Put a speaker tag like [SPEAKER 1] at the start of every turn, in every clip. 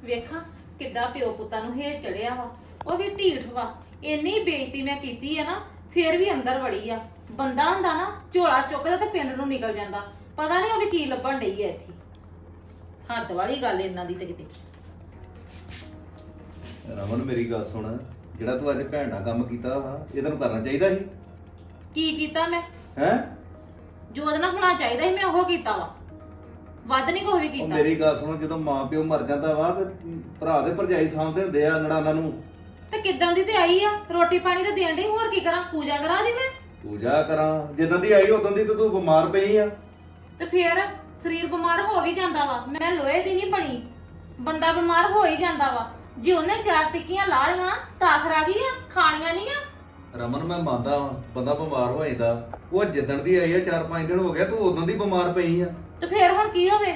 [SPEAKER 1] ਵੇਖਾਂ ਕਿੱਡਾ ਪਿਓ ਪੁੱਤਾਂ ਨੂੰ ਹੇਜ ਚੜਿਆ ਵਾ। ਉਹ ਵੀ ਢੀਠ ਵਾ। ਇੰਨੀ ਬੇਇੱਜ਼ਤੀ ਮੈਂ ਕੀਤੀ ਆ ਨਾ, ਫੇਰ ਵੀ ਅੰਦਰ ਵੜੀ ਆ। ਬੰਦਾ ਹੁੰਦਾ ਨਾ ਝੋਲਾ ਚੁੱਕਦਾ ਤੇ ਪਿੰਡ ਨੂੰ ਨਿਕਲ ਜਾਂਦਾ। ਪਤਾ ਨਹੀਂ ਉਹ ਵੀ ਕੀ ਲੱਭਣ ਡਈ ਆ ਇੱਥੇ। ਹੱਦ ਵਾਲੀ ਗੱਲ ਇਹਨਾਂ ਦੀ ਤੇ ਕਿਤੇ।
[SPEAKER 2] ਰਮਨ ਮੇਰੀ ਗੱਲ ਸੁਣ, ਜਿਹੜਾ ਤੂੰ ਅੱਜ ਭੈਣ ਨਾਲ ਕੰਮ ਕੀਤਾ ਵਾ ਇਹ ਤੈਨੂੰ ਕਰਨਾ ਚਾਹੀਦਾ ਸੀ।
[SPEAKER 1] ਕੀ ਕੀਤਾ ਮੈਂ?
[SPEAKER 2] ਹੈ
[SPEAKER 1] ਜੋ ਉਹਦੇ ਨਾਲ ਹੋਣਾ ਚਾਹੀਦਾ ਸੀ ਮੈਂ ਉਹ ਕੀਤਾ ਵਾ। ਵੱਧ ਨਹੀਂ ਕੋਈ ਵੀ
[SPEAKER 2] ਉਹ
[SPEAKER 1] ਕੀਤਾ।
[SPEAKER 2] ਮੇਰੀ ਗੱਲ ਸੁਣ, ਜਦੋਂ ਮਾਂ ਪਿਓ ਮਰ ਜਾਂਦਾ ਵਾ ਤੇ ਭਰਾ ਦੇ ਭਰਜਾਈ ਸਾਂਭਦੇ ਹੁੰਦੇ ਆ ਨਣਾਨਾਂ ਨੂੰ।
[SPEAKER 1] ਤੇ ਕਿੱਦਾਂ ਦੀ ਤੇ ਆਈ ਆ, ਰੋਟੀ ਪਾਣੀ ਤੇ ਦੇਣ ਡਈ। ਹੋਰ ਕੀ ਕਰਾਂ? ਪੂਜਾ ਕਰਾਂ ਜੀ ਮੈਂ?
[SPEAKER 2] ਪੂਜਾ ਕਰਾਂ? ਜਿੱਦਾਂ ਦੀ ਆਈ ਉਦੋਂ ਦੀ ਤੇ ਤੂੰ ਬਿਮਾਰ ਪਈ ਆ।
[SPEAKER 1] ਤੇ ਫੇਰ ਸਰੀਰ ਬਿਮਾਰ ਹੋ ਵੀ ਜਾਂਦਾ ਵਾ। ਮੈਂ ਲੋਹੇ ਦੀ ਨਹੀਂ ਬਣੀ, ਬੰਦਾ ਬਿਮਾਰ ਹੋ ਹੀ ਜਾਂਦਾ ਵਾ। ਜੇ ਉਹਨੇ 4 ਟਿੱਕੀਆਂ ਲਾ ਲਈਆਂ ਤਾਂ ਖਰਾ ਗਈ ਆ, ਖਾਣੀਆਂ ਨਹੀਂ ਆ।
[SPEAKER 2] ਰਮਨ ਮੈਂ ਮੰਨਦਾ ਵਾਂ ਬੰਦਾ ਬਿਮਾਰ ਹੋ ਜਾਂਦਾ, ਉਹ ਜਿੱਦਣ ਦੀ ਆਈ ਆ 4-5 ਦਿਨ ਹੋ ਗਿਆ, ਤੂੰ ਉਦੋਂ ਦੀ ਬਿਮਾਰ ਪਈ ਆ।
[SPEAKER 1] ਤੇ ਫੇਰ ਹੁਣ ਕੀ ਹੋਵੇ?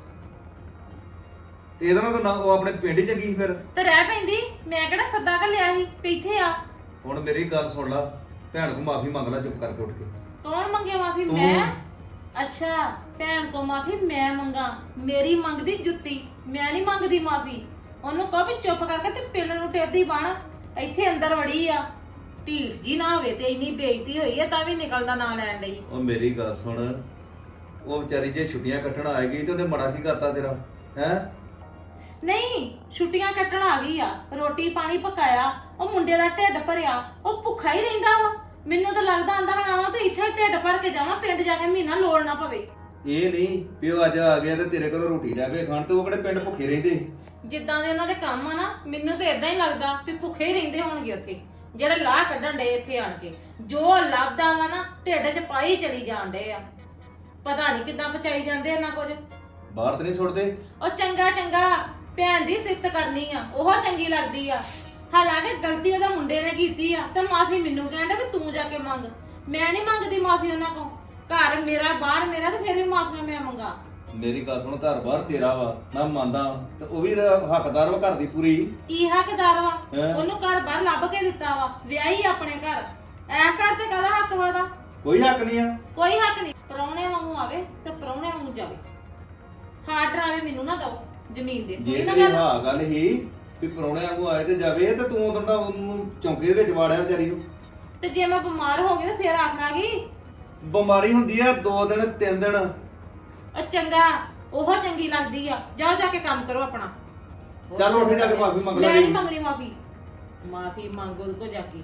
[SPEAKER 2] ਤੇ ਇਹਦੇ ਨਾਲ ਤਾਂ ਨਾ ਉਹ ਆਪਣੇ ਪਿੰਡ ਚ ਗਈ ਫਿਰ।
[SPEAKER 1] ਤੇ ਰਹਿ ਪੈਂਦੀ। ਮੈਂ ਕਿਹੜਾ ਸੱਦਾ ਘੱਲਿਆ ਸੀ ਵੀ ਇੱਥੇ ਆ।
[SPEAKER 2] ਹੁਣ ਮੇਰੀ ਗੱਲ ਸੁਣ ਲਾ, ਭੈਣ ਕੋ ਮਾਫੀ ਮੰਗ ਲੈ ਚੁੱਪ ਕਰਕੇ ਉੱਠ ਕੇ।
[SPEAKER 1] ਕੌਣ ਮੰਗੇ ਮਾਫੀ?
[SPEAKER 2] ਤੂੰ।
[SPEAKER 1] ਮੈਂ? ਅੱਛਾ, ਭੈਣ ਕੋ ਮਾਫੀ ਮੈਂ ਮੰਗਾ? ਮੇਰੀ ਮੰਗਦੀ ਜੁੱਤੀ, ਮੈਂ ਨਹੀਂ ਮੰਗਦੀ ਮਾਫੀ। ਉਹਨੂੰ ਕਹੋ ਵੀ ਚੁੱਪ ਕਰਕੇ ਤੇ ਪਿੰਡ ਨੂੰ ਟੇਦੀ ਬਣ। ਇੱਥੇ ਅੰਦਰ ਵੜੀ ਆ। ਢੀਠ ਜੀ ਨਾ ਹੋਵੇ ਤੇ ਇੰਨੀ ਬੇਇੱਜ਼ਤੀ ਹੋਈ ਆ ਤਾਂ ਵੀ ਨਿਕਲਦਾ ਨਾਂ ਲੈਣ ਲਈ।
[SPEAKER 2] ਉਹ ਮੇਰੀ ਗੱਲ ਸੁਣ, ਉਹ ਵਿਚਾਰੀ ਜੇ ਛੁੱਟੀਆਂ ਕੱਟਣ ਆ ਗਈ ਤੇ ਉਹਨੇ ਮਾੜਾ ਕੀ ਕਰਤਾ ਤੇਰਾ? ਹੈ
[SPEAKER 1] ਨਹੀਂ, ਛੁੱਟੀਆਂ ਕੱਟਣ ਆ ਗਈ ਆ, ਰੋਟੀ ਪਾਣੀ ਪਕਾਇਆ, ਉਹ ਮੁੰਡੇ ਦਾ ਢਿੱਡ ਭਰਿਆ, ਉਹ ਭੁੱਖਾ ਹੀ ਰਹਿੰਦਾ ਵਾ। ਮੈਨੂੰ ਤਾਂ ਲੱਗਦਾ ਆਂਦਾ ਹੋਣਾ ਵਾ ਵੀ ਇੱਥੇ ਢਿੱਡ ਭਰ ਕੇ ਜਾਵਾਂ, ਪਿੰਡ ਜਾ ਕੇ ਮਹੀਨਾ ਲੋੜ ਨਾ ਪਵੇ।
[SPEAKER 2] ਇਹ ਨਹੀਂ ਵੀ ਉਹ ਅੱਜ ਆ ਗਿਆ ਤੇ ਤੇਰੇ ਕੋਲ ਰੋਟੀ ਲੈ ਕੇ ਖਾਣ, ਤੇ ਉਹ ਕਿਹੜੇ ਪਿੰਡ ਭੁੱਖੇ ਰਹਿੰਦੇ?
[SPEAKER 1] ਜਿੱਦਾਂ ਦੇ ਉਹਨਾਂ ਦੇ ਕੰਮ ਆ ਨਾ, ਮੈਨੂੰ ਤਾਂ ਇਦਾਂ ਹੀ ਲੱਗਦਾ ਵੀ ਭੁੱਖੇ ਹੀ ਰਹਿੰਦੇ ਹੋਣਗੇ ਉੱਥੇ, ਜਿਹੜੇ ਲਾਹ ਕੱਢਣ ਡੇ ਇੱਥੇ ਆਣ ਕੇ। ਜੋ ਲੱਭਦਾ ਵਾ ਨਾ ਢਿੱਡ 'ਚ ਪਾਈ ਚਲੀ ਜਾਣ ਡੇ ਆ। ਪਤਾ ਨਹੀਂ ਕਿੱਦਾਂ ਪਚਾਈ ਜਾਂਦੇ ਇਹਨਾਂ ਕੁਝ।
[SPEAKER 2] ਬਾਹਰ ਤੇ ਨਹੀਂ ਸੁੱਟਦੇ?
[SPEAKER 1] ਉਹ ਚੰਗਾ ਚੰਗਾ ਭੈਣ ਦੀ ਸਿਫਤ ਕਰਨੀ ਆ, ਉਹ ਚੰਗੀ ਲੱਗਦੀ ਆ। ਹਾਲਾਂਕਿ ਗਲਤੀ ਉਹਦੇ ਮੁੰਡੇ ਨੇ ਕੀਤੀ ਆ ਤੇ ਮਾਫੀ ਮੈਨੂੰ ਕਹਿੰਦਾ ਵੀ ਤੂੰ ਜਾ ਕੇ ਮੰਗ। ਮੈਂ ਨਹੀਂ ਮੰਗਦੀ ਮਾਫੀ ਉਹਨਾਂ ਕੋਲ। ਘਰ ਮੇਰਾ, ਬਾਹਰ ਮੇਰਾ, ਤੇ ਫਿਰ ਵੀ ਮਾਫੀਆਂ ਮੈਂ ਮੰਗਾ।
[SPEAKER 2] ਮੇਰੀ ਗੱਲ ਸੁਣ, ਘਰ ਬਾਹਰ ਤੇਰਾ ਵਾ, ਮੈਂ ਮੰਨਦਾ, ਤੇ ਉਹ ਵੀ ਤਾਂ ਹੱਕਦਾਰ ਵਾ ਘਰ ਦੀ ਪੂਰੀ।
[SPEAKER 1] ਕੀ ਹੱਕਦਾਰ ਵਾ?
[SPEAKER 2] ਹੈਂ?
[SPEAKER 1] ਉਹਨੂੰ ਘਰ ਬਾਹਰ ਲੱਭ ਕੇ ਦਿੱਤਾ ਵਾ, ਵਿਆਹੀ ਆਪਣੇ ਘਰ। ਐ ਘਰ ਤੇ ਕਾਹਦਾ ਹੱਕ ਵਾ ਉਹਦਾ?
[SPEAKER 2] ਕੋਈ ਹੱਕ ਨਹੀਂ ਆ।
[SPEAKER 1] ਕੋਈ ਹੱਕ ਨਹੀਂ। ਪ੍ਰਾਹੁਣੇ ਵਾਂਗੂ ਆਵੇ ਤੇ ਪ੍ਰਾਹੁਣੇ ਵਾਂਗੂ ਜਾਵੇ। ਹਾਰ ਡਰਾਵੇ ਮੈਨੂੰ ਨਾ ਦਓ ਜ਼ਮੀਨ ਦੇ।
[SPEAKER 2] ਜੇ
[SPEAKER 1] ਸੁਣੀ ਨਾ
[SPEAKER 2] ਤੇਰੀ
[SPEAKER 1] ਗੱਲ?
[SPEAKER 2] ਹਾਂ ਗੱਲ ਹੀ ਵੀ ਪਰੌਣੇ ਵਾਂਗੂ ਆਏ ਤੇ ਜਾਵੇ, ਤੇ ਤੂੰ ਉਦੋਂ ਦਾ ਉਹਨੂੰ ਚੌਂਕੇ ਦੇ ਵਿੱਚ ਵਾੜਿਆ ਵਿਚਾਰੀ ਨੂੰ।
[SPEAKER 1] ਤੇ ਜੇ ਮੈਂ ਬਿਮਾਰ ਹੋ ਗਈ ਤੇ ਫਿਰ ਆਖਣਾਗੀ
[SPEAKER 2] ਬਿਮਾਰੀ ਹੁੰਦੀ ਆ 2 ਦਿਨ 3 ਦਿਨ।
[SPEAKER 1] ਉਹ ਚੰਗਾ, ਉਹ ਚੰਗੀ ਲੱਗਦੀ ਆ। ਜਾਓ ਜਾ ਕੇ ਕੰਮ ਕਰੋ ਆਪਣਾ।
[SPEAKER 2] ਚੱਲ ਉੱਠ ਜਾ ਕੇ ਮਾਫੀ ਮੰਗ ਲੈ।
[SPEAKER 1] ਮੈਂ ਨਹੀਂ ਮੰਗਣੀ ਮਾਫੀ। ਮਾਫੀ ਮੰਗੋ ਉਹਦੇ ਕੋਲ ਜਾ ਕੇ।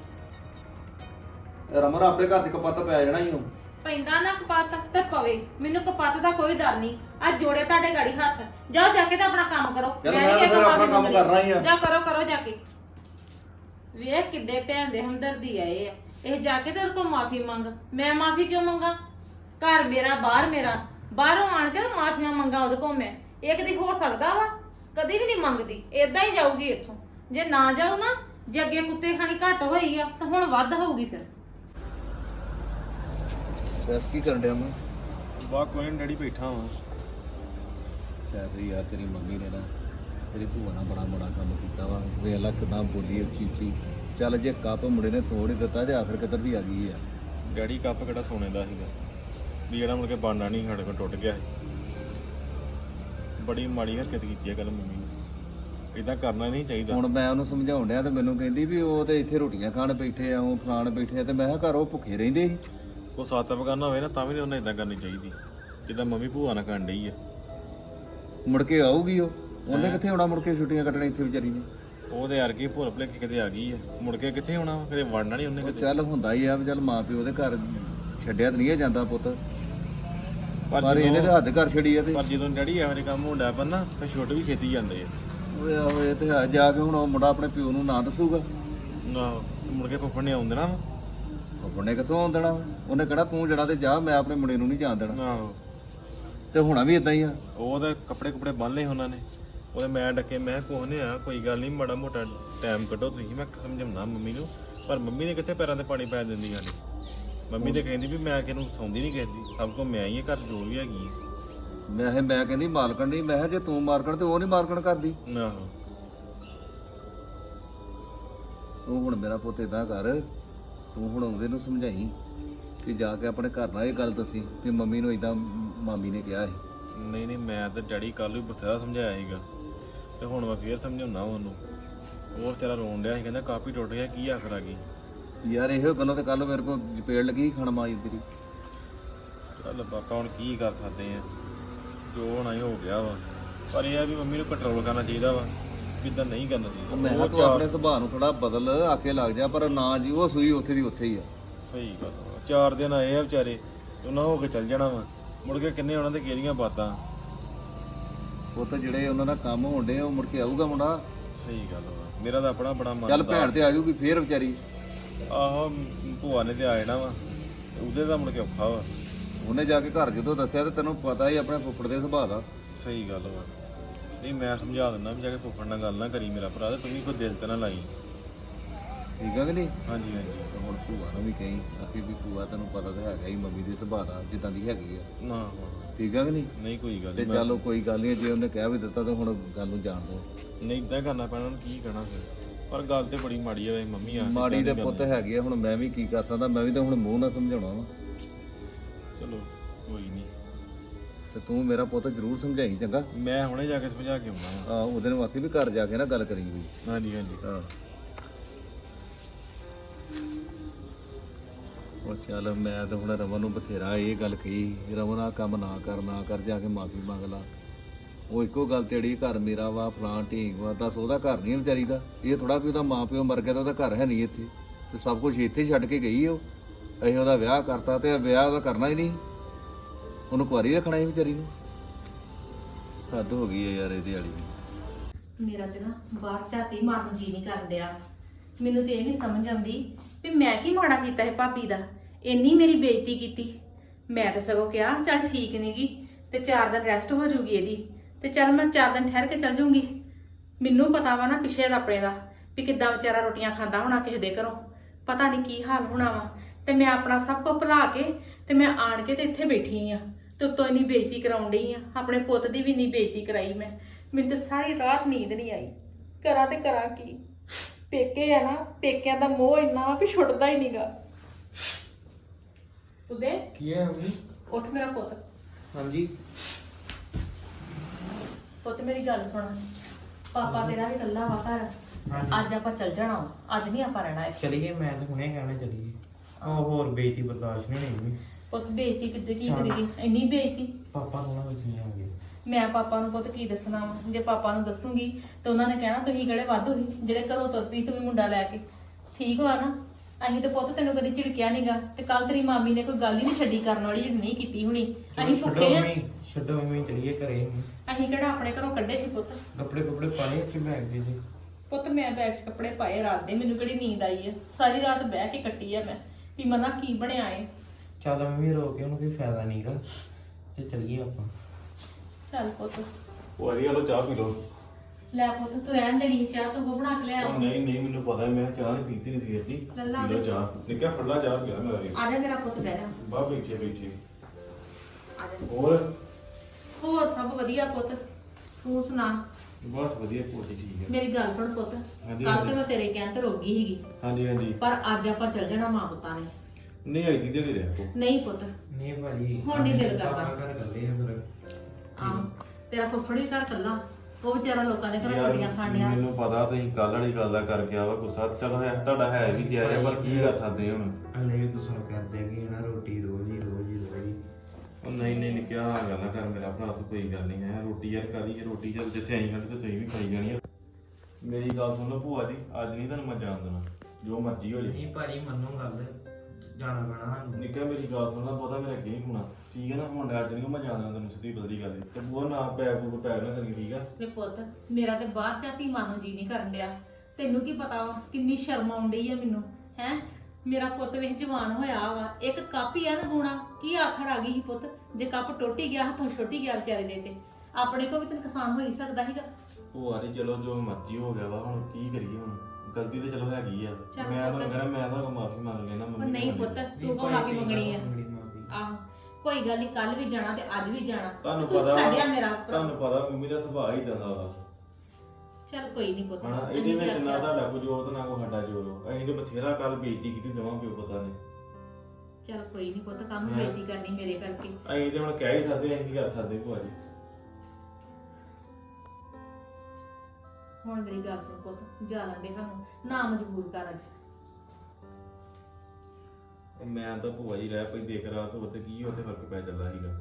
[SPEAKER 2] ਰਮਨ ਆਪਣੇ ਘਰ 'ਚ ਕਪੱਤ ਪੈ ਜਾਣਾ ਹੀ ਉਹ।
[SPEAKER 1] ਪੈਂਦਾ ਨਾ ਕਪੱਤ ਤੇ ਪਵੇ, ਮੈਨੂੰ ਕਪੱਤ ਦਾ ਕੋਈ ਡਰ ਨਹੀਂ। ਅੱਜ ਜੋੜੇ ਤੁਹਾਡੇ ਗਾੜੀ ਹੱਥ। ਜਾਓ ਜਾ ਕੇ ਤੇ ਆਪਣਾ ਕੰਮ ਕਰੋ।
[SPEAKER 2] ਚੱਲ
[SPEAKER 1] ਨੀ
[SPEAKER 2] ਮੈਂ ਤਾਂ
[SPEAKER 1] ਕਿਸੇ
[SPEAKER 2] ਫਿਰ
[SPEAKER 1] ਕੋਲ
[SPEAKER 2] ਆਪਣਾ
[SPEAKER 1] ਮਾਫ਼ੀ
[SPEAKER 2] ਕੰਮ
[SPEAKER 1] ਮੰਗਣੀ।
[SPEAKER 2] ਕਰਨਾ ਹੀ ਆ।
[SPEAKER 1] ਜਾ ਕਰੋ ਜਾ ਕੇ। ਵੇਖ ਕਿੱਡੇ ਭੈਣ ਦੇ ਹਮਦਰਦੀ ਆਏ ਆ। ਇਹ ਜਾ ਕੇ ਤੇ ਉਹਦੇ ਕੋਲ ਮਾਫੀ ਮੰਗ। ਮੈਂ ਮਾਫੀ ਕਿਉਂ ਮੰਗਾ? ਘਰ ਮੇਰਾ, ਬਾਹਰ ਮੇਰਾ। ਬਾਹਰੋਂ ਆਣ ਕੇ ਮਾਫੀਆਂ ਮੰਗਾ ਉਹਦੇ ਕੋਲ ਮੈਂ? ਇਹ ਕਦੀ ਹੋ ਸਕਦਾ ਵਾ? ਕਦੀ ਵੀ ਨਹੀਂ ਮੰਗਦੀ। ਏਦਾਂ ਹੀ ਜਾਊਗੀ ਇੱਥੋਂ। ਜੇ ਨਾ ਜਾਊ ਨਾ, ਜੇ ਅੱਗੇ ਕੁੱਤੇ ਖਾਣੀ ਘੱਟ ਹੋਈ ਆ ਤਾਂ ਹੁਣ ਵੱਧ ਹੋਊਗੀ ਫਿਰ।
[SPEAKER 2] ਬਸ ਕੀ ਕਰਨ ਡਿਆ ਮੈਂ?
[SPEAKER 3] ਵਾਹ ਕੋਈ ਨੀ ਡੈਡੀ, ਬੈਠਾ ਵਾਂ।
[SPEAKER 2] ਸ਼ਾਇਦ ਯਾਰ ਤੇਰੀ ਮੰਮੀ ਨੇ ਨਾ ਤੇਰੀ ਭੂਆ ਨਾਲ ਬੜਾ ਮਾੜਾ ਕੰਮ ਕੀਤਾ ਵਾ। ਵੇਖ ਲੈ ਕਿਦਾਂ ਬੋਲੀ ਉੱਚੀ ਉੱਚੀ। ਚੱਲ ਜੇ ਕੱਪ ਮੁੰਡੇ ਨੇ ਤੋੜ ਹੀ ਦਿੱਤਾ ਤੇ ਆਖਰ ਕਿੱਧਰ ਦੀ ਆ ਗਈ ਆ।
[SPEAKER 3] ਡੈਡੀ ਕੱਪ ਕਿਹੜਾ ਸੋਨੇ ਦਾ ਸੀਗਾ ਵੀ ਜਿਹੜਾ ਮੁੜ ਕੇ ਬਾਨਾ ਨਹੀਂ ਸਾਡੇ ਕੋਲ ਟੁੱਟ ਗਿਆ ਸੀ। ਬੜੀ ਮਾੜੀ ਹਰਕਤ ਕੀਤੀ ਹੈ ਗੱਲ ਮੰਮੀ ਨੇ। ਇਦਾਂ ਕਰਨਾ ਨਹੀਂ ਚਾਹੀਦਾ।
[SPEAKER 2] ਹੁਣ ਮੈਂ ਉਹਨੂੰ ਸਮਝਾਉਣ ਡਿਆ ਤੇ ਮੈਨੂੰ ਕਹਿੰਦੀ ਵੀ ਉਹ ਤੇ ਇੱਥੇ ਰੋਟੀਆਂ ਖਾਣ ਬੈਠੇ ਆ, ਉਹ ਫਲਾਣ ਬੈਠੇ ਆ, ਤੇ ਮੈਂ ਕਿਹਾ ਘਰ ਉਹ ਭੁੱਖੇ ਰਹਿੰਦੇ ਸੀ।
[SPEAKER 3] ਉਹ ਸੱਤ ਬਗਾਨਾ ਹੋਵੇ ਨਾ ਤਾਂ ਵੀ ਉਹਨੇ ਇਦਾਂ ਕਰਨੀ ਚਾਹੀਦੀ ਜਿੱਦਾਂ ਮੰਮੀ ਭੂਆ ਨਾਲ ਕਰਨ ਡਈ ਆ।
[SPEAKER 2] ਮੁੜ ਕੇ ਆਊਗੀ ਉਹਨੇ ਕਿੱਥੇ ਆਉਣਾ ਮੁੜ ਕੇ ਛੁੱਟੀਆਂ ਕੱਟਣੇ ਇੱਥੇ ਵਿਚਾਰੀ ਨੇ।
[SPEAKER 3] ਉਹਦੇ ਯਾਰ ਕੀ ਭੁੱਲ ਭੁਲੇਖੇ ਕਿਤੇ ਆ ਗਈ ਆ, ਮੁੜ ਕੇ ਕਿੱਥੇ ਆਉਣਾ ਵਾ, ਕਿਤੇ ਵੜਨਾ ਨਹੀਂ ਉਹਨੇ
[SPEAKER 2] ਉਹ
[SPEAKER 3] ਕਿਤੇ।
[SPEAKER 2] ਚੱਲ ਹੁੰਦਾ ਹੀ ਆ ਵੀ ਚੱਲ ਮਾਂ ਪਿਓ ਦੇ ਘਰ ਛੱਡਿਆ ਤਾਂ ਨਹੀਂ ਜਾਂਦਾ ਪੁੱਤ, ਪਰ ਇਹਨੇ ਤਾਂ ਹੱਦ ਘਰ ਛੱਡੀ ਆ। ਤੇ
[SPEAKER 3] ਪਰ ਜਦੋਂ ਡੈਡੀ ਇਹੋ ਜਿਹੇ ਕੰਮ ਹੁੰਦਾ ਪਾ ਨਾ ਤਾਂ ਛੁੱਟ ਵੀ ਖੇਤੀ ਜਾਂਦੇ ਆ।
[SPEAKER 2] ਓਏ ਆਹੋ ਇਹ ਤੇ ਹੈ। ਜਾ ਕੇ ਹੁਣ ਉਹ ਮੁੰਡਾ ਆਪਣੇ ਪਿਓ ਨੂੰ ਨਾ ਦੱਸੂਗਾ?
[SPEAKER 3] ਨਾ ਮੁੜ ਕੇ ਫੁੱਫੜ ਨੇ ਆਉਣ ਦੇਣਾ ਵਾ।
[SPEAKER 2] ਉਹਨੇ ਕਿੱਥੋਂ ਆਉਣ ਦੇਣਾ? ਉਹਨੇ ਕਿਹੜਾ ਤੂੰ ਜੜਾ ਤੇ ਜਾ, ਮੈਂ ਆਪਣੇ ਮੁੰਡੇ ਨੂੰ ਨਹੀਂ ਜਾਣ ਦੇਣਾ।
[SPEAKER 3] ਆਹੋ
[SPEAKER 2] ਤੇ ਹੋਣਾ ਵੀ ਇਦਾਂ ਹੀ ਆ।
[SPEAKER 3] ਉਹਦੇ ਕੱਪੜੇ ਕੁਪੜੇ ਬੰਨ ਲਏ ਉਹਨਾਂ ਨੇ। ਉਹਦੇ ਮੈਂ ਡੱਕੇ, ਮੈਂ ਕੁਛ ਨਹੀਂ ਆ, ਕੋਈ ਗੱਲ ਨਹੀਂ, ਮਾੜਾ ਮੋਟਾ ਟਾਈਮ ਕੱਢੋ ਤੁਸੀਂ। ਮੈਂ ਸਮਝਾਉਣਾ ਮੰਮੀ ਨੂੰ, ਪਰ ਮੰਮੀ ਨੇ ਕਿੱਥੇ ਪੈਰਾਂ ਤੇ ਪਾਣੀ ਪੈ ਦਿੰਦੀ ਨੇ। ਮੰਮੀ ਤੇ ਕਹਿੰਦੀ ਵੀ ਮੈਂ ਕਿਹਨੂੰ ਸੌਂਦੀ ਨਹੀਂ ਕਹਿੰਦੀ, ਸਭ ਕੋ ਮੈਂ ਹੀ ਘਰ ਜੋ ਵੀ ਹੈਗੀ
[SPEAKER 2] ਮੈਂ ਕਹਿੰਦੀ ਮਾਲਕਣ ਨਹੀਂ। ਮੈਂ ਕਿਹਾ ਜੇ ਤੂੰ ਮਾਲਕਣ ਤੇ ਉਹ ਨਹੀਂ ਮਾਲਕਣ ਕਰਦੀ।
[SPEAKER 3] ਆਹੋ
[SPEAKER 2] ਤੂੰ ਹੁਣ ਮੇਰਾ ਪੁੱਤ ਏਦਾਂ ਕਰ, ਤੂੰ ਹੁਣ ਉਹਦੇ ਨੂੰ ਸਮਝਾਈ ਕਿ ਜਾ ਕੇ ਆਪਣੇ ਘਰ ਨਾਲ ਇਹ ਗੱਲ ਦੱਸੀ ਕਿ ਮੰਮੀ ਨੂੰ ਏਦਾਂ ਮਾਮੀ ਨੇ ਕਿਹਾ ਸੀ।
[SPEAKER 3] ਨਹੀਂ ਮੈਂ ਤਾਂ ਡੈਡੀ ਕੱਲ ਵੀ ਬਥੇਰਾ ਸਮਝਾਇਆ ਸੀਗਾ, ਤੇ ਹੁਣ ਮੈਂ ਫੇਰ ਸਮਝਾਉਣਾ ਉਹਨੂੰ। ਉਹ ਤੇਰਾ ਰੋਣ ਡਿਆ ਸੀ, ਕਹਿੰਦਾ ਕਾਪੀ ਟੁੱਟ ਗਿਆ, ਕੀ ਆਖਰ ਆ ਗਈ।
[SPEAKER 2] ਯਾਰ ਇਹੋ ਗੱਲਾਂ ਤੇ ਕੱਲ ਮੇਰੇ ਕੋਲ ਚਪੇੜ ਲੱਗੀ ਖਾਣ ਮਾਈ ਤੇਰੀ।
[SPEAKER 3] ਚੱਲ ਪਾਪਾ ਹੁਣ ਕੀ ਕਰ ਸਕਦੇ ਆ, ਜੋ ਹੋਣਾ ਹੀ ਹੋ ਗਿਆ ਵਾ। ਪਰ ਇਹ ਆ ਵੀ ਮੰਮੀ ਨੂੰ ਕੰਟਰੋਲ ਕਰਨਾ ਚਾਹੀਦਾ ਵਾ, ਕਿਦਾਂ ਨਹੀਂ ਕਰਨਾ ਚਾਹੀਦਾ।
[SPEAKER 2] ਮੈਂ ਕਿਹਾ ਤੂੰ ਆਪਣੇ ਸੁਭਾਅ ਨੂੰ ਥੋੜਾ ਬਦਲ, ਆਕੇ ਲੱਗ ਜਾ, ਪਰ ਨਾ ਜੀ ਉਹ ਸੂਈ ਉੱਥੇ ਦੀ ਉੱਥੇ ਹੀ ਆ।
[SPEAKER 3] ਸਹੀ ਗੱਲ ਵਾ। 4 ਦਿਨ ਆਏ ਆ ਵਿਚਾਰੇ, ਉਹਨਾਂ ਹੋ ਕੇ ਚੱਲ ਜਾਣਾ ਵਾ, ਮੁੜ ਕੇ ਕਿੰਨੇ ਉਹਨਾਂ ਦੇ ਕਿਹੜੀਆਂ ਬਾਤਾਂ।
[SPEAKER 2] ਉਹ ਤਾਂ ਜਿਹੜੇ ਉਹਨਾਂ ਦਾ ਕੰਮ ਹੋਣਦੇ ਉਹ ਮੁੜ ਕੇ ਆਊਗਾ ਮੁੰਡਾ।
[SPEAKER 3] ਸਹੀ ਗੱਲ ਵਾ, ਮੇਰਾ ਤਾਂ ਆਪਣਾ ਬੜਾ ਮਨ
[SPEAKER 2] ਚੱਲ ਭੈਣ ਤੇ ਆ ਜਾਊਗੀ ਫੇਰ ਵਿਚਾਰੀ।
[SPEAKER 3] ਆਹੋ ਭੂਆ ਨੇ ਤੇ ਆ ਜਾਣਾ ਵਾ, ਉਹਦੇ ਦਾ ਮੁੜ ਕੇ ਔਖਾ ਵਾ।
[SPEAKER 2] ਉਹਨੇ ਜਾ ਕੇ ਘਰ ਜਦੋਂ ਦੱਸਿਆ ਤੇ ਤੈਨੂੰ ਪਤਾ ਹੀ ਆਪਣੇ ਫੁੱਫੜ ਦੇ ਸੁਭਾਅ ਦਾ।
[SPEAKER 3] ਸਹੀ ਗੱਲ ਵਾ। ਨਹੀਂ ਮੈਂ ਸਮਝਾ ਦਿੰਦਾ ਵੀ ਜਾ ਕੇ ਫੁੱਫੜ ਨਾਲ ਗੱਲ ਨਾ ਕਰੀ ਮੇਰਾ ਭਰਾ, ਤੇ ਤੂੰ ਵੀ ਕੋਈ ਦਿਲ ਤੇ ਨਾ ਲਾਈ।
[SPEAKER 2] ਠੀਕ ਆ ਕਿ ਨਹੀਂ?
[SPEAKER 3] ਹਾਂਜੀ ਹਾਂਜੀ।
[SPEAKER 2] ਹੁਣ ਭੂਆ ਨੂੰ ਵੀ ਕਹੀਂ ਆਖੀ ਵੀ ਭੂਆ ਤੈਨੂੰ ਪਤਾ ਤਾਂ ਹੈਗਾ ਹੀ ਮੰਮੀ ਦੇ ਸੁਭਾਅ ਦਾ ਜਿੱਦਾਂ ਦੀ ਹੈਗੀ ਆ।
[SPEAKER 3] ਨਾ
[SPEAKER 2] ਠੀਕ ਆ ਕਿ ਨਹੀਂ?
[SPEAKER 3] ਨਹੀਂ ਕੋਈ ਗੱਲ
[SPEAKER 2] ਤੇ
[SPEAKER 3] ਨਹੀਂ।
[SPEAKER 2] ਚਲੋ ਕੋਈ ਗੱਲ ਨਹੀਂ, ਜੇ ਉਹਨੇ ਕਹਿ ਵੀ ਦਿੱਤਾ ਤਾਂ ਹੁਣ ਗੱਲ ਨੂੰ ਜਾਣ ਦੋ।
[SPEAKER 3] ਨਹੀਂ ਇਦਾਂ ਕਰਨਾ ਪੈਣਾ, ਉਹਨੂੰ ਕੀ ਕਹਿਣਾ ਫਿਰ। ਪਰ ਗੱਲ ਤੇ ਬੜੀ ਮਾੜੀ ਆ ਵੇ ਮੰਮੀ ਆ।
[SPEAKER 2] ਮਾੜੀ ਦੇ ਪੁੱਤ ਹੈਗੇ ਆ, ਹੁਣ ਮੈਂ ਵੀ ਕੀ ਕਰ ਸਕਦਾ, ਮੈਂ ਵੀ ਤਾਂ ਹੁਣ ਮੂੰਹ ਨਾਲ ਸਮਝਾਉਣਾ ਵਾ।
[SPEAKER 3] ਚਲੋ ਕੋਈ ਨਹੀਂ,
[SPEAKER 2] ਤੇ ਤੂੰ ਮੇਰਾ ਪੁੱਤ ਜ਼ਰੂਰ ਸਮਝਾਈ ਚੰਗਾ।
[SPEAKER 3] ਮੈਂ ਹੁਣੇ ਜਾ ਕੇ ਸਮਝਾ ਕੇ ਆਉਣਾ ਵਾ।
[SPEAKER 2] ਉਹਦੇ ਨੂੰ ਆਖੀ ਵੀ ਘਰ ਜਾ ਕੇ ਨਾ ਗੱਲ ਕਰੀ ਵੀ।
[SPEAKER 3] ਹਾਂਜੀ ਹਾਂਜੀ।
[SPEAKER 2] ਹਾਂ ਉਹ ਚੱਲ ਮੈਂ ਤਾਂ ਹੁਣ ਰਮਨ ਨੂੰ ਬਥੇਰਾ ਇਹ ਗੱਲ ਕਹੀ, ਰਮਨ ਆ ਕੰਮ ਨਾ ਕਰ ਜਾ ਕੇ ਮਾਫੀ ਮੰਗ ਲਾ। ਉਹ ਇੱਕੋ ਗੱਲ ਤੇ ਅੜੀ, ਘਰ ਮੇਰਾ ਵਾ ਫਲਾਂ ਢੀਂਗ ਵਾ, ਦੱਸ ਉਹਦਾ ਘਰ ਨਹੀਂ ਵਿਚਾਰੀ ਦਾ। ਇਹ ਥੋੜਾ ਵੀ ਉਹਦਾ ਮਾਂ ਪਿਓ ਮਰ ਗਿਆ ਤਾਂ ਉਹਦਾ ਘਰ ਹੈ ਨਹੀਂ ਇੱਥੇ, ਤੇ ਸਭ ਕੁਝ ਇੱਥੇ ਹੀ ਛੱਡ ਕੇ ਗਈ ਉਹ। ਅਸੀਂ ਉਹਦਾ ਵਿਆਹ ਕਰਤਾ ਤੇ ਵਿਆਹ ਉਹਦਾ ਕਰਨਾ ਹੀ ਨਹੀਂ, ਉਹਨੂੰ ਕੁਆਰੀ ਰੱਖਣਾ ਹੀ ਵਿਚਾਰੀ ਨੂੰ। ਹੱਦ ਹੋ ਗਈ ਹੈ ਯਾਰ ਇਹਦੀ ਵਾਲੀ।
[SPEAKER 4] ਮੇਰਾ ਤੇ ਨਾ ਬਾਹਰ ਝਾਤੀ ਮਾਰਨ ਨੂੰ ਜੀ ਨਹੀਂ ਕਰਨ ਡਿਆ। ਮੈਨੂੰ ਤੇ ਇਹ ਨਹੀਂ ਸਮਝ ਆਉਂਦੀ ਵੀ ਮੈਂ ਕੀ ਮਾੜਾ ਕੀਤਾ ਹੈ ਭਾਬੀ ਦਾ, ਇੰਨੀ ਮੇਰੀ ਬੇਇੱਜ਼ਤੀ ਕੀਤੀ। ਮੈਂ ਤਾਂ ਸਗੋਂ ਕਿਹਾ ਚੱਲ ਠੀਕ ਨੀ ਗੀ ਤੇ 4 ਦਿਨ ਰੈਸਟ ਹੋ ਜੂਗੀ ਇਹਦੀ, ਤੇ ਚੱਲ ਮੈਂ 4 ਦਿਨ ਠਹਿਰ ਕੇ ਚੱਲ ਜੂੰਗੀ। ਮੈਨੂੰ ਪਤਾ ਵਾ ਨਾ ਪਿੱਛੇ ਦਾ ਆਪਣੇ ਦਾ ਵੀ ਕਿੱਦਾਂ ਵਿਚਾਰਾ ਰੋਟੀਆਂ ਖਾਂਦਾ ਹੋਣਾ ਕਿਸੇ ਦੇ ਘਰੋਂ, ਪਤਾ ਨਹੀਂ ਕੀ ਹਾਲ ਹੋਣਾ ਵਾ। ਤੇ ਮੈਂ ਆਪਣਾ ਸਭ ਕੁਝ ਭੁਲਾ ਕੇ ਤੇ ਮੈਂ ਆਣ ਕੇ ਤੇ ਇੱਥੇ ਬੈਠੀ ਆ, ਤੇ ਉੱਤੋਂ ਇੰਨੀ ਬੇਇੱਜ਼ਤੀ ਕਰਾਉਣ ਡਈ ਆ। ਆਪਣੇ ਪੁੱਤ ਦੀ ਵੀ ਇੰਨੀ ਬੇਇੱਜ਼ਤੀ ਕਰਾਈ ਮੈਂ। ਮੈਨੂੰ ਤਾਂ ਸਾਰੀ ਰਾਤ ਨੀਂਦ ਨਹੀਂ ਆਈ। ਕਰਾਂ ਤੇ ਕਰਾਂ ਕੀ? ਪੇਕੇ ਆ ਨਾ, ਪੇਕਿਆਂ ਦਾ ਮੋਹ ਇੰਨਾ ਵਾ ਵੀ ਛੁੱਟਦਾ ਹੀ ਨਹੀਂਗਾ। ਉਦੇ
[SPEAKER 5] ਕੀ ਹੈ ਮੰਮੀ?
[SPEAKER 4] ਉੱਠ ਮੇਰਾ ਪੁੱਤ।
[SPEAKER 5] ਹਾਂਜੀ।
[SPEAKER 4] ਪੁੱਤ ਮੇਰੀ ਗੱਲ ਸੁਣ, ਪਾਪਾ ਤੇਰਾ ਵੀ ਇਕੱਲਾ ਵਾ ਘਰ। ਅੱਜ ਆਪਾਂ ਚੱਲ ਜਾਣਾ ਵਾ, ਅੱਜ ਨਹੀਂ ਆਪਾਂ ਰਹਿਣਾ ਇੱਥੇ।
[SPEAKER 5] ਚਲੀਏ, ਮੈਂ ਤਾਂ ਹੁਣੇ ਕਹਿਣਾ ਚਲੀਏ। ਉਹ ਹੋਰ ਬੇਇੱਜ਼ਤੀ ਬਰਦਾਸ਼ਤ ਨਹੀਂ ਹੋਣੀ।
[SPEAKER 4] ਪੁੱਤ ਬੇਇੱਜ਼ਤੀ ਕਿੱਦਾਂ ਕੀ ਕਰੀਏ, ਇੰਨੀ ਬੇਇੱਜ਼ਤੀ।
[SPEAKER 5] ਪਾਪਾ ਨੂੰ ਨਾ ਦੱਸਣੀ ਆ ਗਈ।
[SPEAKER 4] ਮੈਂ ਪਾਪਾ ਨੂੰ ਪੁੱਤ ਕੀ ਦੱਸਣਾ ਵਾ? ਜੇ ਪਾਪਾ ਨੂੰ ਦੱਸੂਗੀ ਤੇ ਉਹਨਾਂ ਨੇ ਕਹਿਣਾ ਤੁਸੀਂ ਕਿਹੜੇ ਵਾਧੂ ਸੀ ਜਿਹੜੇ ਘਰੋਂ ਤੁਰ ਪਈ ਤੂੰ ਵੀ ਮੁੰਡਾ ਲੈ ਕੇ। ਠੀਕ ਵਾ ਨਾ? ਅਸੀਂ ਤੇ ਪੁੱਤ ਤੈਨੂੰ ਕਦੀ ਝਿੜਕਿਆ ਨਹੀਂਗਾ, ਤੇ ਕੱਲ ਤੇਰੀ ਮਾਮੀ ਨੇ ਕੋਈ ਗੱਲ ਹੀ ਨਹੀਂ ਛੱਡੀ ਕਰਨ ਵਾਲੀ ਜਿਹੜੀ ਨਹੀਂ ਕੀਤੀ ਹੋਣੀ। ਅਸੀਂ ਭੁੱਖੇ ਆ।
[SPEAKER 5] ਛੱਡੋ ਮੰਮੀ, ਚਲੀਏ ਘਰੇ।
[SPEAKER 4] ਅਸੀਂ ਕਿਹੜਾ ਆਪਣੇ ਘਰੋਂ ਕੱਢੇ ਸੀ ਪੁੱਤ?
[SPEAKER 5] ਕੱਪੜੇ ਪਾਣੇ ਕਿ ਬੈਗ ਦੇ ਜੀ?
[SPEAKER 4] ਪੁੱਤ ਮੈਂ ਬੈਗ 'ਚ ਕੱਪੜੇ ਪਾਏ ਰਾਤ ਦੇ, ਮੈਨੂੰ ਕਿਹੜੀ ਨੀਂਦ ਆਈ ਹੈ? ਸਾਰੀ ਰਾਤ ਬਹਿ ਕੇ ਕੱਟੀ ਆ ਮੈਂ ਵੀ ਮਨਾ ਕੀ ਬਣਿਆ ਏ।
[SPEAKER 5] ਚੱਲ ਮੰਮੀ, ਰੋ ਕੇ ਉਹਨੂੰ ਕੋਈ ਫਾਇਦਾ ਨਹੀਂਗਾ, ਤੇ ਚਲੀਏ ਆਪਾਂ।
[SPEAKER 4] ਚੱਲ ਪੁੱਤ।
[SPEAKER 3] ਉਹ ਅਰੀ ਵਾਲੋ ਚਾਹ ਪੀ ਲਓ।
[SPEAKER 4] ਲੈ ਪੁੱਤ ਤੂੰ ਰਹਿਣ ਦੇਣੀ ਚਾਹ, ਤੂੰ ਬਣਾ ਕੇ ਲੈ ਆ।
[SPEAKER 3] ਨਹੀਂ ਮੈਨੂੰ ਪਤਾ, ਮੈਂ ਚਾਹ ਨਹੀਂ ਪੀਤੀ ਨਹੀਂ ਸਵੇਰ ਦੀ।
[SPEAKER 4] ਲੈ ਲਾ
[SPEAKER 3] ਪੀ ਲਓ ਚਾਹ। ਨਿੱਕਾ ਫੜਲਾ ਚਾਹ ਪੀਆ ਮੇਰਾ ਵੀ।
[SPEAKER 4] ਆ ਜਾ ਮੇਰਾ ਪੁੱਤ, ਬਹਿ ਜਾ।
[SPEAKER 3] ਬਾਹਰ ਬੈਠੇ
[SPEAKER 4] ਆ ਜਾ।
[SPEAKER 3] ਹੋਰ
[SPEAKER 4] ਸਭ ਵਧੀਆ ਪੁੱਤ, ਤੂੰ ਸੁਣਾ?
[SPEAKER 3] ਬਸ ਵਧੀਆ ਪੋਤੀ ਠੀਕ ਹੈ।
[SPEAKER 4] ਮੇਰੀ ਗੱਲ ਸੁਣ ਪੁੱਤ,
[SPEAKER 3] ਹਾਂਜੀ,
[SPEAKER 4] ਕੱਲ ਤੇ ਮੈਂ ਤੇਰੇ ਕਹਿਣ ਤੇ ਰੋਗੀ ਸੀਗੀ,
[SPEAKER 3] ਹਾਂਜੀ ਹਾਂਜੀ।
[SPEAKER 4] ਪਰ ਅੱਜ ਆਪਾਂ ਚੱਲ ਜਾਣਾ ਮਾਂ ਪੁੱਤਾਂ ਨੇ।
[SPEAKER 3] ਨਹੀਂ ਆਈ ਦੀ ਦੇ ਰਿਹਾ ਕੋ।
[SPEAKER 4] ਨਹੀਂ ਪੁੱਤ,
[SPEAKER 5] ਨਹੀਂ ਭਾਜੀ,
[SPEAKER 4] ਹੁਣ ਨੀ ਦਿਲ ਕਰਦਾ।
[SPEAKER 5] ਪਾਪਾ ਘਰ ਇਕੱਲੇ ਆ ਫਿਰ।
[SPEAKER 4] ਆਹ ਤੇਰਾ ਫੁੱਫੜ ਵੀ ਘਰ ਕੱਲਾ, ਉਹ ਵਿਚਾਰਾ ਲੋਕਾਂ ਦੇ ਘਰ ਰੋਟੀਆਂ ਖਾਣ ਡਿਆ।
[SPEAKER 3] ਮੈਨੂੰ ਪਤਾ ਤੁਸੀਂ ਕੱਲ ਵਾਲੀ ਗੱਲ ਦਾ ਕਰਕੇ ਆਵਾ ਗੁੱਸਾ। ਚਲੋ ਹੈ ਤੁਹਾਡਾ ਹੈ ਵੀ ਜਾਇਜ਼, ਪਰ ਕੀ ਕਰ ਸਕਦੇ ਹੁਣ।
[SPEAKER 5] ਹਲੇ ਵੀ ਗੁੱਸਾ ਕਰਦੇ ਕਿ ਨਾ ਰੋਟੀ ਰੋਜ਼ ਹੀ।
[SPEAKER 3] ਉਹ ਨਹੀਂ ਨਿੱਕਿਆ ਗੱਲ ਨਾ ਕਰ ਮੇਰਾ ਭਰਾ, ਤੂੰ ਕੋਈ ਗੱਲ ਨਹੀਂ ਹੈ। ਰੋਟੀ ਯਾਰ ਕਾਦੀ ਹੈ, ਰੋਟੀ ਜਦ ਜਿੱਥੇ ਆਈ ਖੜੀ ਤੇ ਤੁਸੀਂ ਵੀ ਖਾਈ ਜਾਣੀ ਆ। ਮੇਰੀ ਗੱਲ ਸੁਣ ਲਓ ਭੂਆ ਜੀ, ਅੱਜ ਨਹੀਂ ਤੁਹਾਨੂੰ ਮੈਂ ਜਾਣ ਦੇਣਾ, ਜੋ ਮਰਜ਼ੀ ਹੋ ਜਾਏ।
[SPEAKER 5] ਨਹੀਂ ਭਾਜੀ, ਮੰਨੋ ਗੱਲ, ਜਾਣਾ ਪੈਣਾ ਸਾਨੂੰ।
[SPEAKER 3] ਨਿੱਕਾ ਮੇਰੀ ਗੱਲ ਸੁਣ ਲਾ, ਪਤਾ ਮੇਰਾ ਕੀ ਹੋਣਾ, ਠੀਕ ਹੈ ਨਾ? ਹੁਣ ਅੱਜ ਨਹੀਂ ਮੈਂ ਜਾਣ ਦੇਣਾ ਤੈਨੂੰ, ਸਿੱਧੀ ਬਦਲੀ ਗੱਲ ਹੈ। ਤੇ ਬੂਆ ਨਾ ਪੈਰ ਨਾ ਕਰੀ, ਠੀਕ ਆ?
[SPEAKER 4] ਵੇ ਪੁੱਤ, ਮੇਰਾ ਤੇ ਬਾਹਰ ਝਾਤੀ ਮਨ ਨੂੰ ਜੀ ਨਹੀਂ ਕਰਨ ਡਿਆ। ਤੈਨੂੰ ਕੀ ਪਤਾ ਵਾ ਕਿੰਨੀ ਸ਼ਰਮ ਆਉਣ ਡਈ ਆ ਮੈਨੂੰ, ਹੈ? ਮੇਰਾ ਪੁੱਤ ਵੇਖ ਜਵਾਨ ਹੋਇਆ ਵਾ, ਇੱਕ ਕੱਪ ਹੀ ਆ ਨਗੂਣਾ, ਕੀ ਆਖਰ ਆ ਗਈ ਸੀ ਪੁੱਤ? ਜੇ ਕੱਪ ਟੁੱਟ ਹੀ ਗਿਆ, ਹੱਥੋਂ ਛੁੱਟ ਹੀ ਗਿਆ ਵਿਚਾਰੇ ਦੇ, ਤੇ ਆਪਣੇ ਕੋ ਵੀ ਤਾਂ ਨੁਕਸਾਨ ਹੋ ਹੀ ਸਕਦਾ ਸੀਗਾ।
[SPEAKER 3] ਭੂਆ ਜੀ ਚਲੋ ਜੋ ਮਰਜ਼ੀ ਹੋ ਗਿਆ ਵਾ, ਹੁਣ ਕੀ ਕਰੀਏ? ਹੁਣ ਗਲਤੀ ਤੇ ਚਲੋ ਹੈਗੀ ਆ।
[SPEAKER 4] ਚੱਲ
[SPEAKER 3] ਮੈਂ
[SPEAKER 4] ਪੁੱਤ।
[SPEAKER 3] ਤੁਹਾਨੂੰ ਕਹਿਣਾ, ਮੈਂ ਤਾਂ ਮਾਫੀ ਮੰਗ ਲੈਣਾ
[SPEAKER 4] ਉਹ
[SPEAKER 3] ਮੰਮੀ
[SPEAKER 4] ਨਹੀਂ
[SPEAKER 3] ਤੋਂ।
[SPEAKER 4] ਪੁੱਤ, ਤੂੰ ਕੋ ਮਾਫੀ ਮੰਗਣੀ ਆ?
[SPEAKER 5] ਮਾਫੀ।
[SPEAKER 4] ਆਹੋ ਕੋਈ ਗੱਲ ਨਹੀਂ, ਕੱਲ ਵੀ ਜਾਣਾ ਤੇ ਅੱਜ ਵੀ ਜਾਣਾ।
[SPEAKER 3] ਤੁਹਾਨੂੰ
[SPEAKER 4] ਤੂੰ
[SPEAKER 3] ਪਤਾ
[SPEAKER 4] ਛੱਡਿਆ ਮੇਰਾ ਭਰਾ।
[SPEAKER 3] ਤੁਹਾਨੂੰ ਪਤਾ ਮੰਮੀ ਦਾ ਸੁਭਾਅ ਹੀ ਦੰਦਾ ਵਾ।
[SPEAKER 4] ਚੱਲ ਕੋਈ ਨਹੀਂ ਪੁੱਤ,
[SPEAKER 3] ਹਣਾ
[SPEAKER 4] ਅਸੀਂ
[SPEAKER 3] ਇਹਦੇ
[SPEAKER 4] ਕੀ
[SPEAKER 3] ਵਿੱਚ ਨਾ
[SPEAKER 4] ਆਖਿਆ।
[SPEAKER 3] ਤੁਹਾਡਾ ਕੋਈ ਜੋਤ ਨਾ ਕੋਈ ਸਾਡਾ ਜੋਤ। ਅਸੀਂ ਤੇ ਬਥੇਰਾ ਕੱਲ ਬੇਇੱਜ਼ਤੀ ਕੀਤੀ ਦੋਵਾਂ ਪਿਓ ਪਤਾ ਨੇ।
[SPEAKER 4] ਚੱਲ ਕੋਈ ਨਹੀਂ ਪੁੱਤ, ਕੰਮ
[SPEAKER 3] ਹੈਂ?
[SPEAKER 4] ਬੇਇੱਜ਼ਤੀ ਕਰਨੀ ਮੇਰੇ ਕਰਕੇ।
[SPEAKER 3] ਅਸੀਂ ਤੇ ਹੁਣ ਕਹਿ ਹੀ ਸਕਦੇ, ਅਸੀਂ ਕੀ ਕਰ ਸਕਦੇ ਭੂਆ ਜੀ?
[SPEAKER 4] ਹੁਣ ਮੇਰੀ ਗੱਲ ਸੁਣ ਪੁੱਤ, ਜਾ ਲੰਦੇ ਸਾਨੂੰ, ਨਾ ਮਜਬੂਰ ਕਰ ਅੱਜ।
[SPEAKER 3] ਉਹ ਮੈਂ ਤਾਂ ਭੂਆ ਜੀ ਰਹਿ ਪਈ ਦੇਖ ਰਾਤ ਉੱਥੇ ਕੀ ਉੱਥੇ ਫਰਕ ਪੈ ਚੱਲਾ ਸੀਗਾ।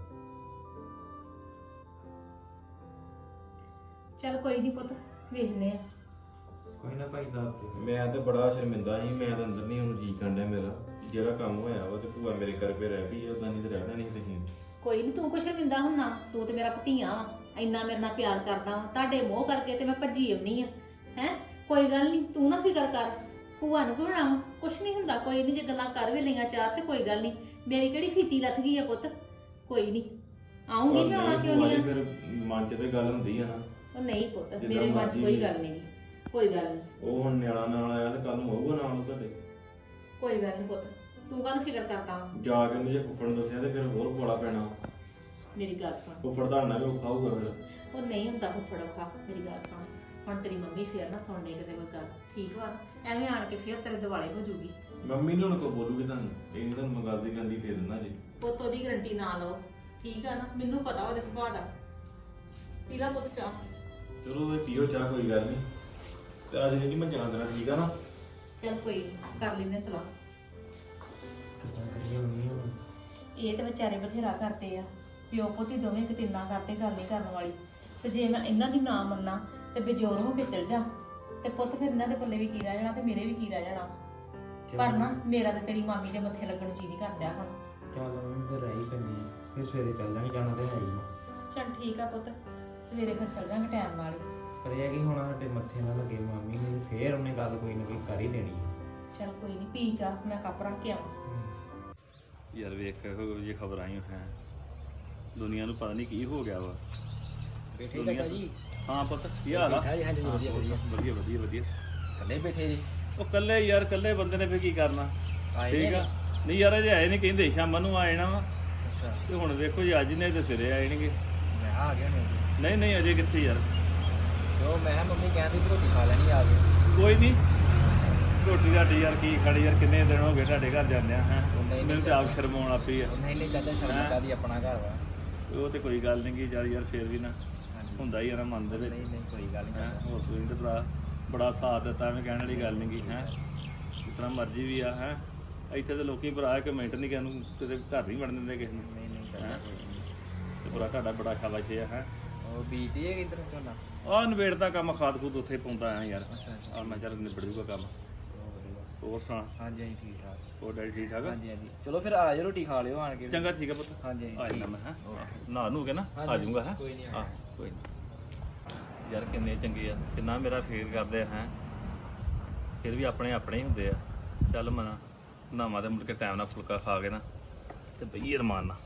[SPEAKER 4] ਚੱਲ ਕੋਈ ਨਹੀਂ ਪੁੱਤ, ਵੇਖਨੇ ਆ।
[SPEAKER 5] ਕੋਈ ਨਾ ਭਾਈ ਦੱਸ ਤੂੰ।
[SPEAKER 3] ਮੈਂ ਤਾਂ ਬੜਾ ਸ਼ਰਮਿੰਦਾ ਸੀ, ਮੈਂ ਤਾਂ ਅੰਦਰ ਨਹੀਂ ਹੁਣ ਜੀ ਕੰਡਿਆ ਮੇਰਾ ਕਿ ਜਿਹੜਾ ਕੰਮ ਹੋਇਆ ਵਾ ਤੇ ਭੂਆ ਮੇਰੇ ਘਰ ਪੇ ਰਹਿ ਪਈ, ਉਦਾਂ ਨਹੀਂ ਤੇ ਰਹਿਣਾ ਨਹੀਂ ਤੁਸੀਂ।
[SPEAKER 4] ਕੋਈ ਨਹੀਂ, ਤੂੰ ਕੁਛ ਸ਼ਰਮਿੰਦਾ ਹੁੰਨਾ, ਤੂੰ ਤੇ ਮੇਰਾ ਭਤੀਆ ਵਾ, ਇੰਨਾ ਮੇਰੇ ਨਾਲ ਪਿਆਰ ਕਰਦਾ ਵਾ, ਤੁਹਾਡੇ ਮੋਹ ਕਰਕੇ ਤੇ ਮੈਂ ਭੱਜੀ ਆਉਣੀ ਆ। ਹੈ ਕੋਈ ਗੱਲ ਨਹੀਂ, ਤੂੰ ਨਾ ਫਿਕਰ ਕਰ, ਭੂਆ ਨੂੰ ਕਿਉਂ ਬਣਾਵਾਂ, ਕੁਛ ਨਹੀਂ ਹੁੰਦਾ, ਕੋਈ ਨਹੀਂ, ਜੇ ਗੱਲਾਂ ਕਰ ਵੀ ਲਈਆਂ ਚਾਰ ਤੇ ਕੋਈ ਗੱਲ ਨਹੀਂ, ਮੇਰੀ ਕਿਹੜੀ ਫੀਤੀ ਲੱਥ ਗਈ ਆ ਪੁੱਤ, ਕੋਈ ਨਹੀਂ, ਆਉਂਗੀ ਮੈਂ, ਆਉਣਾ ਕਿਉਂ ਨਹੀਂ ਆ।
[SPEAKER 3] ਫਿਰ ਮਨ ਚ ਤੇ ਗੱਲ ਹੁੰਦੀ ਆ ਨਾ।
[SPEAKER 4] ਉਹ ਨਹੀਂ ਪੁੱਤ,
[SPEAKER 3] ਜਿੱਦਾਂ
[SPEAKER 4] ਮੇਰੇ ਮਨ 'ਚ
[SPEAKER 3] ਮਰਜ਼ੀ
[SPEAKER 4] ਕੋਈ
[SPEAKER 3] ਵੀ।
[SPEAKER 4] ਗੱਲ ਨਹੀਂ, ਕੋਈ ਗੱਲ ਨਹੀਂ,
[SPEAKER 3] ਉਹ ਹੁਣ ਨਿਆਣਾ ਨਾਲ ਆਇਆ ਤੇ ਕੱਲ ਨੂੰ ਹੋਊਗਾ ਨਾਲ ਉਹ ਤੁਹਾਡੇ।
[SPEAKER 4] ਕੋਈ ਗੱਲ ਨਹੀਂ ਪੁੱਤ, ਤੂੰ ਕਾਹਨੂੰ ਫਿਕਰ ਕਰਦਾ ਵਾ।
[SPEAKER 3] ਜਾ ਕੇ ਉਹਨੂੰ ਜੇ ਫੁੱਫੜ ਨੂੰ ਦੱਸਿਆ ਤੇ ਫਿਰ ਹੋਰ ਬੋਲਾ ਪੈਣਾ।
[SPEAKER 4] ਮੇਰੀ ਗੱਲ ਸੁਣ,
[SPEAKER 3] ਫੁੱਫੜ ਦਾ ਨਾ ਵੀ ਔਖਾ ਹੋਊਗਾ ਫਿਰ।
[SPEAKER 4] ਉਹ ਨਹੀਂ ਹੁੰਦਾ ਫੁੱਫੜ ਔਖਾ, ਮੇਰੀ ਗੱਲ ਸੁਣ, ਹੁਣ ਤੇਰੀ ਮੰਮੀ ਫੇਰ ਨਾ ਸੁਣਨੇ ਕਿਤੇ ਕੋਈ ਗੱਲ, ਠੀਕ ਵਾ ਨਾ, ਐਵੇਂ ਆਣ ਕੇ ਫੇਰ ਤੇਰੇ ਦਿਵਾਲੇ ਹੋ ਜੂਗੀ।
[SPEAKER 3] ਮੰਮੀ ਨੇ ਹੁਣ ਕੋ ਬੋਲੂਗੀ ਤੁਹਾਨੂੰ, ਇਹ ਨਹੀਂ ਤੁਹਾਨੂੰ ਮੰਗਲ ਦੀ ਗੰਢੀ ਦੇ ਦਿੰਦਾ ਜੀ।
[SPEAKER 4] ਪੁੱਤ ਉਹਦੀ ਗਰੰਟੀ ਨਾ ਲਓ, ਠੀਕ ਆ ਨਾ, ਮੈਨੂੰ ਪਤਾ ਉਹਦੇ ਸੁਭਾਅ ਦਾ। ਪੀ ਲਾ ਪੁੱਤ ਚਾਹ।
[SPEAKER 3] ਚਲੋ ਤੇ ਪੀਓ ਚਾਹ, ਕੋਈ ਗੱਲ ਨਹੀਂ। ਤੇ ਅੱਜ ਨਹੀਂ ਮੈਂ ਜਾਣਾ ਤੇਰਾ, ਠੀਕ ਆ ਨਾ।
[SPEAKER 4] ਚੱਲ ਕੋਈ ਨੀ, ਕਰ ਲੈਨੇ ਸਲਾਹ।
[SPEAKER 5] ਕਿੱਦਾਂ ਕਰੀਏ ਮੰਮੀ ਹੁਣ?
[SPEAKER 4] ਇਹ ਤੇ ਵਿਚਾਰੇ ਬਥੇਰਾ ਕਰਦੇ ਆ, ਪਿਓ ਪੁੱਤੀ ਦੋਵੇਂ ਕਿਤਨਾ ਕਰਦੇ, ਗੱਲ ਨਹੀਂ ਕਰਨ ਵਾਲੀ। ਤੇ ਜੇ ਮੈਂ ਇਹਨਾਂ ਦੀ ਨਾ ਮੰਨਾਂ ਤੇ ਬੇਜੋਰ ਹੋ ਕੇ ਚਲ ਜਾ, ਤੇ ਪੁੱਤ ਫਿਰ ਇਹਨਾਂ ਦੇ ਪੱਲੇ ਵੀ ਕੀ ਰਹਿ ਜਾਣਾ ਤੇ ਮੇਰੇ ਵੀ ਕੀ ਰਹਿ ਜਾਣਾ। ਪਰ ਨਾ ਮੇਰਾ ਤੇ ਤੇਰੀ ਮਾਮੀ ਦੇ ਮੱਥੇ ਲੱਗਣ ਨੂੰ ਜੀ ਨਹੀਂ ਕਰਦਾ ਹੁਣ।
[SPEAKER 5] ਚੱਲ ਮੰਮੀ ਫਿਰ ਰਹਿ ਹੀ ਪੈਣੀ ਆ, ਫਿਰ ਸਵੇਰੇ ਚੱਲ ਜਾਣੀ, ਜਾਣਾ ਤੇ ਹੈ ਹੀ ਆ।
[SPEAKER 4] ਚੱਲ ਠੀਕ ਆ ਪੁੱਤ, ਸਵੇਰੇ ਫਿਰ ਚੱਲ ਜਾਾਂਗੇ ਟਾਈਮ ਨਾਲ ਹੀ।
[SPEAKER 5] ਪਰ ਇਹ ਆ ਕਿ ਹੁਣ ਸਾਡੇ ਮੱਥੇ ਨਾ ਲੱਗੇ ਮਾਮੀ ਨੂੰ, ਫੇਰ ਉਹਨੇ ਗੱਲ ਕੋਈ ਨਾ ਕੋਈ ਕਰ ਹੀ ਦੇਣੀ ਆ।
[SPEAKER 4] ਚੱਲ ਕੋਈ ਨਹੀਂ, ਪੀ ਚਾਹ, ਮੈਂ ਕੱਪ ਰੱਖ ਕੇ ਆਵਾਂ।
[SPEAKER 6] ਯਾਰ ਵੇਖ ਇਹੋ ਜਿਹੀ ਖਬਰਾਂ ਆਈਆਂ ਹੈ, ਦੁਨੀਆ ਨੂੰ ਪਤਾ ਨਹੀਂ ਕੀ ਹੋ ਗਿਆ ਵਾ।
[SPEAKER 7] ਬੈਠੇ ਚਾਚਾ ਜੀ?
[SPEAKER 6] ਹਾਂ ਪੁੱਤ, ਕੀ ਹਾਲ ਆ?
[SPEAKER 7] ਹਾਂਜੀ ਹਾਂਜੀ, ਵਧੀਆ ਵਧੀਆ।
[SPEAKER 6] ਵਧੀਆ ਵਧੀਆ ਵਧੀਆ।
[SPEAKER 7] ਕੱਲੇ ਬੈਠੇ ਜੀ?
[SPEAKER 6] ਉਹ ਕੱਲੇ ਯਾਰ, ਕੱਲੇ ਬੰਦੇ ਨੇ ਫੇ ਕੀ ਕਰਨਾ।
[SPEAKER 7] ਆਏ
[SPEAKER 6] ਠੀਕ
[SPEAKER 7] ਨੀ?
[SPEAKER 6] ਆ, ਨਹੀਂ ਯਾਰ ਅਜੇ ਆਏ ਨਹੀਂ, ਕਹਿੰਦੇ ਸ਼ਾਮਾਂ ਨੂੰ ਆ ਜਾਣਾ ਵਾ।
[SPEAKER 7] ਅੱਛਾ,
[SPEAKER 6] ਤੇ ਹੁਣ ਵੇਖੋ ਜੀ, ਅੱਜ ਨੇ ਤੇ ਸਵੇਰੇ ਆਏਣਗੇ।
[SPEAKER 7] ਮੈਂ ਕਿਹਾ ਆ ਗਿਆ ਨਹੀਂ?
[SPEAKER 6] ਨਹੀਂ ਨਹੀਂ ਅਜੇ ਕਿੱਥੇ ਯਾਰ।
[SPEAKER 7] ਜੋ ਮੈਂ ਕਿਹਾ ਮੰਮੀ ਕਹਿੰਦੀ ਵੀ ਰੋਟੀ ਖਾ ਲੈਣੀ ਆ ਕੇ।
[SPEAKER 6] ਕੋਈ ਨਹੀਂ, ਰੋਟੀ ਰਾਟੀ ਯਾਰ ਕੀ ਖਾਣੀ ਯਾਰ, ਕਿੰਨੇ ਦਿਨ ਹੋ ਗਏ ਤੁਹਾਡੇ ਘਰ ਜਾਂਦੇ ਆ। ਹੈ
[SPEAKER 7] ਨਹੀਂ,
[SPEAKER 6] ਮੈਨੂੰ ਤੇ ਆਪ ਸ਼ਰਮ ਆਉਣ ਆਪੀ ਆ।
[SPEAKER 7] ਉਹ ਨਹੀਂ ਨਹੀਂ ਚਾਚਾ, ਸ਼ਰਮ ਕਾਦੀ, ਆਪਣਾ ਘਰ ਵਾ।
[SPEAKER 6] ਉਹ ਤੇ ਕੋਈ ਗੱਲ ਨਹੀਂ ਗੀ ਯਾਰ, ਫੇਰ ਵੀ ਨਾ
[SPEAKER 7] ਹਾਂਜੀ।
[SPEAKER 6] ਹੁੰਦਾ ਹੀ ਆ ਨਾ ਮਨ ਦੇ ਵਿੱਚ।
[SPEAKER 7] ਨਹੀਂ ਨਹੀਂ, ਕੋਈ ਗੱਲ
[SPEAKER 6] ਹੈਂ,
[SPEAKER 7] ਨਹੀਂ।
[SPEAKER 6] ਹੋਰ ਤੁਸੀਂ ਤੇ ਭਰਾ ਬੜਾ ਸਾਥ ਦਿੱਤਾ, ਐਵੇਂ ਕਹਿਣ ਵਾਲੀ ਗੱਲ ਨਹੀਂ ਗੀ। ਹੈ ਜਿਤਨਾ ਮਰਜ਼ੀ ਵੀ ਆ। ਹੈ ਇੱਥੇ ਤੇ ਲੋਕੀ ਭਰਾ ਇੱਕ ਮਿੰਟ ਨਹੀਂ ਕਿਸੇ ਨੂੰ ਕਿਤੇ ਘਰ ਨਹੀਂ ਵੜਨ ਦਿੰਦੇ ਕਿਸੇ ਨੂੰ।
[SPEAKER 7] ਨਹੀਂ ਨਹੀਂ ਚਾਚਾ,
[SPEAKER 6] ਹੈਂ?
[SPEAKER 7] ਕੋਈ ਨਹੀਂ।
[SPEAKER 6] ਤੇ ਭਰਾ ਤੁਹਾਡਾ ਬੜਾ ਸ਼ਾਬਾਸ਼ ਹੈ।
[SPEAKER 7] ਉਹ ਬੀਤੀ ਹੈ ਕਿੱਧਰ ਝੋਨਾ?
[SPEAKER 6] ਆਹ ਨਵੇੜ ਦਾ ਕੰਮ, ਖਾਦ ਖੂਦ ਉੱਥੇ ਪਾਉਂਦਾ ਆ ਯਾਰ।
[SPEAKER 7] ਅੱਛਾ ਅੱਛਾ,
[SPEAKER 6] ਆ ਮੈਂ ਚੱਲ ਨਿਬੜ ਜੂਗਾ ਕੰਮ।
[SPEAKER 7] ਚਲੋ ਵਧੀਆ।
[SPEAKER 6] ਹੋਰ ਸੁਣਾ,
[SPEAKER 7] ਹਾਂਜੀ ਹਾਂਜੀ, ਠੀਕ ਠਾਕ।
[SPEAKER 6] ਹੋਰ ਡੈਡੀ ਠੀਕ ਠਾਕ ਆ?
[SPEAKER 7] ਹਾਂਜੀ ਹਾਂਜੀ, ਚਲੋ ਫਿਰ ਆ ਜਾਓ, ਰੋਟੀ ਖਾ ਲਿਓ ਆਣ ਕੇ।
[SPEAKER 6] ਚੰਗਾ ਠੀਕ ਆ ਪੁੱਤ,
[SPEAKER 7] ਹਾਂਜੀ
[SPEAKER 6] ਆ
[SPEAKER 7] ਹਾਂਜੀ,
[SPEAKER 6] ਜਾਣਾ ਮੈਂ। ਹੈ
[SPEAKER 7] ਓਕੇ।
[SPEAKER 6] ਨਹਾ ਨੂੰ ਕੇ ਨਾ ਆ
[SPEAKER 7] ਹਾਂਜੀ,
[SPEAKER 6] ਜਾਊਂਗਾ। ਹੈ
[SPEAKER 7] ਕੋਈ ਨਹੀਂ, ਆ
[SPEAKER 6] ਆਹ ਕੋਈ ਨਹੀਂ ਯਾਰ, ਕਿੰਨੇ ਚੰਗੇ ਆ, ਕਿੰਨਾ ਮੇਰਾ ਫੇਰ ਕਰਦੇ ਆ। ਹੈ ਫਿਰ ਵੀ ਆਪਣੇ ਆਪਣੇ ਹੀ ਹੁੰਦੇ ਆ। ਚੱਲ ਮਨਾ ਨਹਾਵਾਂ ਤੇ ਮੁੜ ਕੇ ਟਾਈਮ ਨਾਲ ਫੁਲਕਾ ਖਾ ਕੇ ਨਾ ਤੇ ਬਈਏ ਰਮਾਨ ਨਾਲ।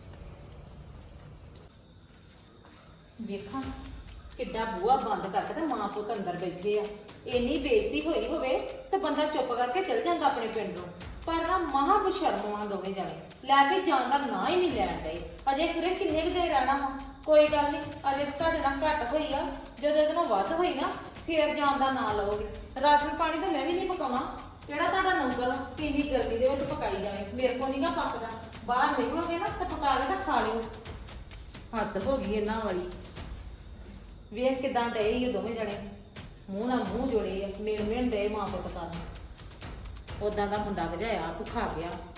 [SPEAKER 1] ਵੇਖਾਂ ਕਿੱਡਾ ਬੂਹਾ ਬੰਦ ਕਰਕੇ ਤੇ ਮਾਂ ਪੁੱਤ ਅੰਦਰ ਬੈਠੇ ਆ। ਇੰਨੀ ਬੇਇੱਜ਼ਤੀ ਹੋਈ ਹੋਵੇ ਤੇ ਬੰਦਾ ਚੁੱਪ ਕਰਕੇ ਚਲ ਜਾਂਦਾ ਆਪਣੇ ਪਿੰਡ ਨੂੰ, ਪਰ ਨਾ ਮਹਾ ਬਸ਼ਰਮ ਆ ਦੋਵੇਂ ਜਾਣੇ, ਲੈ ਕੇ ਜਾਣ ਦਾ ਨਾਂ ਹੀ ਨਹੀਂ ਲੈਣ ਡਏ। ਅਜੇ ਪੂਰੇ ਕਿੰਨੇ ਕੁ ਦੇਰ ਰਹਿਣਾ ਵਾ? ਕੋਈ ਗੱਲ ਨਹੀਂ, ਅਜੇ ਤੁਹਾਡੇ ਨਾਲ ਘੱਟ ਹੋਈ ਆ, ਜਦੋਂ ਇਹਦੇ ਨਾਲ ਵੱਧ ਹੋਈ ਨਾ ਫੇਰ ਜਾਣ ਦਾ ਨਾਂ ਲਓਗੇ। ਰਾਸ਼ਨ ਪਾਣੀ ਤਾਂ ਮੈਂ ਵੀ ਨਹੀਂ ਪਕਾਵਾਂ, ਕਿਹੜਾ ਤੁਹਾਡਾ ਨੌਕਰ ਕਿੰਨੀ ਗਰਮੀ ਦੇ ਵਿੱਚ ਪਕਾਈ ਜਾਵੇ, ਮੇਰੇ ਕੋਲ ਨਹੀਂਗਾ ਪੱਕਦਾ। ਬਾਹਰ ਨਿਕਲੋਗੇ ਨਾ ਤਾਂ ਪਕਾ ਕੇ ਤਾਂ ਖਾ ਲਿਓ। ਹੱਦ ਹੋ ਗਈ ਇਹਨਾਂ ਵਾਲੀ। ਵੇਖ ਕਿਦਾਂ ਡਏ ਇਹ ਦੋਵੇਂ ਜਣੇ, ਮੂੰਹ ਨਾਲ ਮੂੰਹ ਜੋੜੇ ਆ, ਮਿਣ ਮਿਣ ਡਏ ਮਾਂ ਪੁੱਤ ਕਰਨ। ਉਦਾਂ ਦਾ ਮੁੰਡਾ ਗਜਾਇਆ ਭੁੱਖਾ ਗਿਆ।